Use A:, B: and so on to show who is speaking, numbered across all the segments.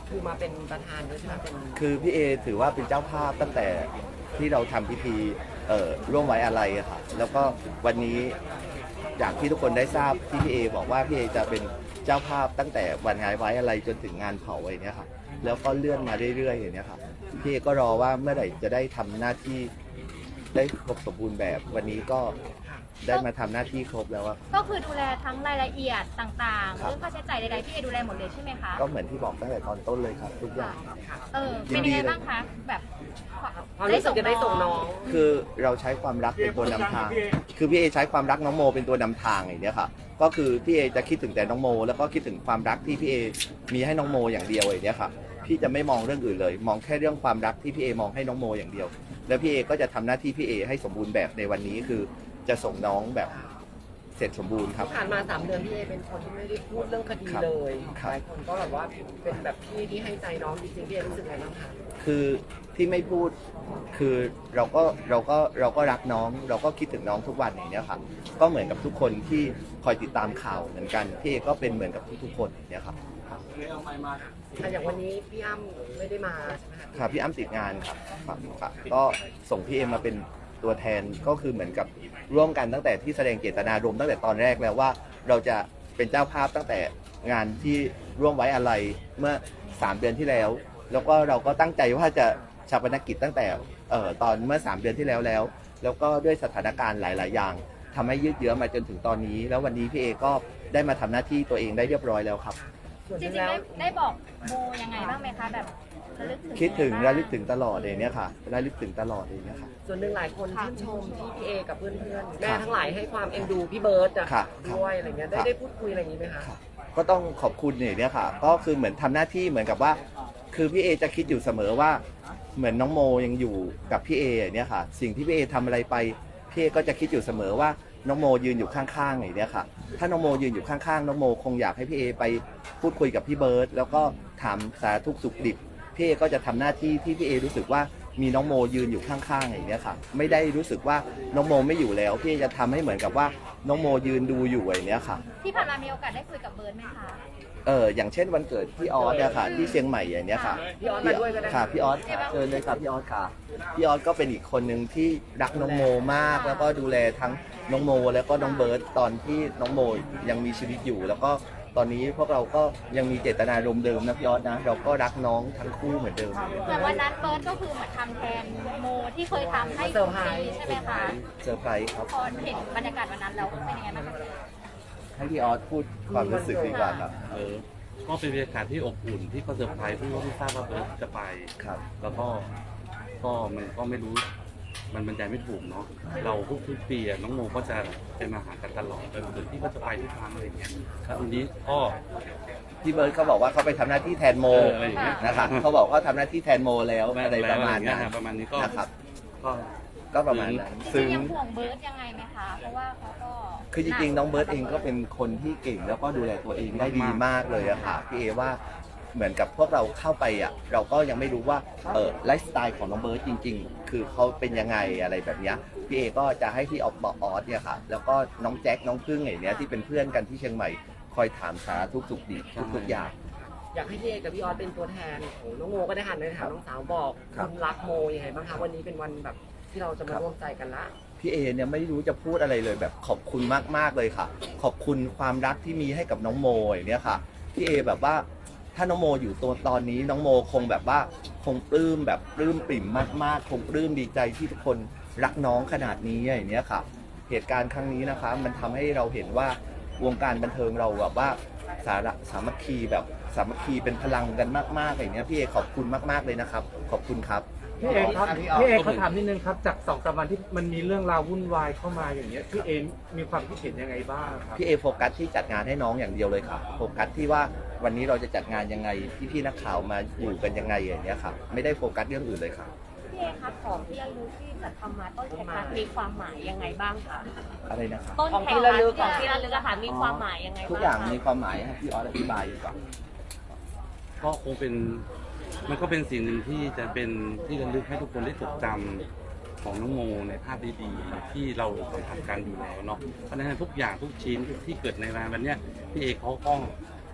A: คือมาเป็นประธานด้วยใช่ไหมเป็น
B: คือพี่เอถือว่าเป็นเจ้าภาพตั้งแต่ที่เราทำพิธีร่วมไว้อาลัยอะค่ะแล้วก็วันนี้อย่างที่ทุกคนได้ทราบที่พี่เอบอกว่าพี่เอจะเป็นเจ้าภาพตั้งแต่วันงานไว้อาลัยจนถึงงานเผาอย่างเนี้ยค่ะแล้วก็เลื่อนมาเรื่อยๆอย่างเนี้ยค่ะพี่เอก็รอว่าเมื่อไหร่จะได้ทำหน้าที่ได้ครบสมบูรณ์แบบวันนี้ก็ได้มาทำหน้าที่ครบแล้วอะ
C: ก็คือดูแลทั้งรายละเอียดต่างๆเรื่องค่าใช้จ่ายใดๆพี่เอดูแลหมดเลยใช่ไหมคะ
B: ก็เหมือนที่บอกตั้งแต่ตอนต้นเลยครับทุกอย่าง
C: เป็นยังไงบ้างคะแบบ
A: ความรู้สึกจะได้ส่งน้อง
B: คือเราใช้ความรักเป็นตัวนำทางคือพี่เอใช้ความรักน้องโมเป็นตัวนำทางอย่างเนี้ยค่ะก็คือพี่เอจะคิดถึงแต่น้องโมแล้วก็คิดถึงความรักที่พี่เอมีให้น้องโมอย่างเดียวอย่างเนี้ยค่ะพี่จะไม่มองเรื่องอื่นเลยมองแค่เรื่องความรักที่พี่เอมองให้น้องโมอย่างเดียวแล้วพี่เอก็จะทำหน้าที่พี่เอให้สมบูรณ์แบบในวันนี้คือจะส่งน้องแบบเสร็จสมบูรณ์ครับ
A: ผ่านมา3 เดือนพี่เอเป็นคนที่ไม่ได้พูดเรื่องคดีเลยหลายคนก็แบบว่าเป็นแบบพี่ที่ให้ใจน้องจริงๆพี่เอรู้สึกไงบ้างคะ
B: คือที่ไม่พูดคือเราก็รักน้องเราก็คิดถึงน้องทุกวันอย่างเนี้ยค่ะก็เหมือนกับทุกคนที่คอยติดตามข่าวเหมือนกันพี่เอก็เป็นเหมือนกับทุกๆคนอย่างเนี้ยครับ
A: อย่างวันนี้พี่อ้ำไม่ได้มาใช่ไหมคะ
B: ค่ะพี่อ้ำติดงานครับก็ส่งพี่เอมาเป็นตัวแทนก็คือเหมือนกับร่วมกันตั้งแต่ที่แสดงเจตนารมณ์ตั้งแต่ตอนแรกแล้วว่าเราจะเป็นเจ้าภาพตั้งแต่งานที่ร่วมไว้อาลัยเมื่อ3 เดือนที่แล้วแล้วก็เราก็ตั้งใจว่าจะชาปนกิจตั้งแต่ตอนเมื่อ3 เดือนที่แล้วก็ด้วยสถานการณ์หลายๆอย่างทำให้ยืดเยื้อมาจนถึงตอนนี้แล้ววันนี้พี่เอก็ได้มาทำหน้าที่ตัวเองได้เรียบร้อยแล้วครับ
C: จริงๆได้บอกโมยังไงบ้างไหมคะแบบระลึกถึง
B: คิดถึงระลึกถึงตลอดเลยเนี่ยค่ะระลึกถึงตลอดเลยเนี่ยค่ะ
A: ส่วนหนึ่งหลายคนชื่นชมที่พี่เอกับเพื่อนๆแม่ทั้งหลายให้ความเอ็นดูพี่เบิร์ตด้วยอะไรเงี้ยได้พูดคุยอะไรอย่างนี้ไหมคะ
B: ก็ต้องขอบคุณเนี่ยค่ะก็คือเหมือนทำหน้าที่เหมือนกับว่าคือพี่เอจะคิดอยู่เสมอว่าเหมือนน้องโมยังอยู่กับพี่เอเนี่ยค่ะสิ่งที่พี่เอทำอะไรไปพี่เอก็จะคิดอยู่เสมอว่าน้องโมยืนอยู่ข้างๆอย่างเนี้ยค่ะถ้าน้องโมยืนอยู่ข้างๆน้องโมคงอยากให้พี่เอไปพูดคุยกับพี่เบิร์ตแล้วก็ถามสารทุกข์สุขดิบพี่เอก็จะทำหน้าที่ที่พี่เอรู้สึกว่ามีน้องโมยืนอยู่ข้างๆอย่างเนี้ยค่ะไม่ได้รู้สึกว่าน้องโมไม่อยู่แล้วพี่เอจะทำให้เหมือนกับว่าน้องโมยืนดูอยู่อย่างเนี้ยค่ะ
C: ที่ผ่านมามีโอกาสได้คุยกับเบิร์ตไหมคะ
B: อย่างเช่นวันเกิดพี่ออสเนี่ยค่ะที่เชียงใหม่อย่างเนี้ยค่ะ
A: พี่ออสมาด้วยก็ได้
B: ค่ะพี่ออสเชิญเลยค่ะพี่ออสค่ะพี่ออสก็เป็นอีกคนหนึ่งที่รักน้องโมมากแล้วก็ดูแลทั้งน้องโมแล้วก็น้องเบิร์ตตอนที่น้องโมยังมีชีวิตอยู่แล้วก็ตอนนี้พวกเราก็ยังมีเจตนารมณ์เดิมนะพี่ออสนะเราก็รักน้องทั้งคู่เหมือนเดิม
C: แต่วันนั้นเบิร์ตก็คือเหมือนทำแทนโมที่เคยทำให้ทุกปีใช่ไหมคะ
B: เซอร์ไพรส์ครับ
C: พอเห็นบรรยากาศวันนั้นแล้วเป็นยังไงบ้างคะ
B: ให้พี่ออสพูดความรู้สึกดีกว่าครับ
D: ก็เป็นบรรยากาศที่อบอุ่นที่ก็เซอร์ไพรส์ที่ทราบว่าเบิร์ตจะไป
B: ครับ
D: แล้วก็มันก็ไม่รู้มันบรรยายไม่ถูกเนาะเราทุกปีน้องโมก็จะไปมาหากันตลอดหรือที่ก็จะไปทุกครั้งอะไรเงี้ยวันนี้ก็
B: พี่เบิร์ดเขาบอกว่าเขาไปทำหน้าที่แทนโมนะคะเขาบอกว่าทำหน้าที่แทนโมแล้วอะไรประมาณนั้น
D: ประมาณนี้ก็
B: นะครับ
D: ก็
B: ก็ประมาณนั้น
C: ซึ่งยังห่วงเบิร์ตยังไงไหมคะเพราะว่าเขาก็
B: คือจริงๆน้องเบิร์ตเองก็เป็นคนที่เก่งแล้วก็ดูแลตัวเองได้ดีมากเลยอะค่ะพี่เอว่าเหมือนกับพวกเราเข้าไปอะเราก็ยังไม่รู้ว่าไลฟ์สไตล์ของน้องเบิร์ตจริงๆคือเขาเป็นยังไงอะไรแบบนี้พี่เอก็จะให้พี่ออสเนี่ยค่ะแล้วก็น้องแจ็คน้องพึ่งอย่างเนี้ยที่เป็นเพื่อนกันที่เชียงใหม่คอยถามสารทุกดิบทุกอย่าง
A: อยากให้พี่เอกับพี่ออสเป็นตัวแทนของน้องโมก็ได้หันไปถามน้องสาวบอกคุณรักโมยังไงบ้างคะวันนี้เป็นวันแบบที่เราจะมาร่วมใจกันละ
B: พี่เอเนี่ยไม่รู้จะพูดอะไรเลยแบบขอบคุณมากๆเลยค่ะขอบคุณความรักที่มีให้กับน้องโมอย่างเนี้ยค่ะพี่เอแบบว่าถ้าน้องโมอยู่ตัวตอนนี้น้องโมคงแบบว่าคงปลื้มแบบปลื้มปริ่มมากๆคงปลื้มดีใจที่ทุกคนรักน้องขนาดนี้อย่างเนี้ยค่ะเหตุการณ์ครั้งนี้นะคะมันทำให้เราเห็นว่าวงการบันเทิงเราแบบว่าสามัคคีแบบสามัคคีเป็นพลังกันมากๆอย่างเนี้ยพี่เอขอบคุณมากๆเลยนะครับขอบคุณครับ
E: พี่เอครับพี่เอเขาถามนิดนึงครับจาก2-3 วันที่มันมีเรื่องราววุ่นวายเข้ามาอย่างเงี้ยพี่เอมีความคิดเห็นยังไงบ้างครับ
B: พี่เอโฟกัสที่จัดงานให้น้องอย่างเดียวเลยครับโฟกัสที่ว่าวันนี้เราจะจัดงานยังไงพี่นักข่าวมาอยู่กันยังไงอย่างเงี้ยครับไม่ได้โฟกัสเรื่องอื่นเลยครับ
C: พี่เอครับของที่ระลึกที่จัดทำมาต้นแขกมีความหมายยังไงบ้างคะ
B: อะไรนะครับ
C: ต้นแขกของที่ระลึกอะค่ะมีความหมายยังไง
B: ทุกอย่างมีความหมายให้พี่ออสอธิบายดีกว่า
D: ก็คงเป็นมันก็เป็นสิ่งหนึ่งที่จะเป็นที่ระลึกให้ทุกคนได้จดจำของน้องโมในภาพดีๆที่เราสัมผัสกันอยู่แล้วเนาะเพราะฉะนั้นทุกอย่างทุกชิ้นที่เกิดในวันนี้พี่เอเขาก็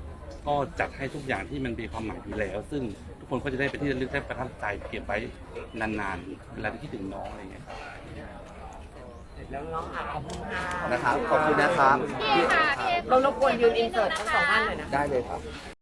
D: ก็จัดให้ทุกอย่างที่มันมีความหมายอยู่แล้ว ซึ่งทุกคนก็จะได้เป็นที่ระลึกได้ประทับใจเก็บไว้นานๆเวลาที่คิดถึงน้องอะไรอย่างเงี้ยครับ
A: แล้วน้องค่ะขอบคุณค่ะ
B: นะครับขอบคุณนะครับ
C: พี่เอค่ะพี่เอ
A: เรารบกวนยืนอินเสิร์ตทั้งสองท่านเลยนะ
B: ได้เลยครับ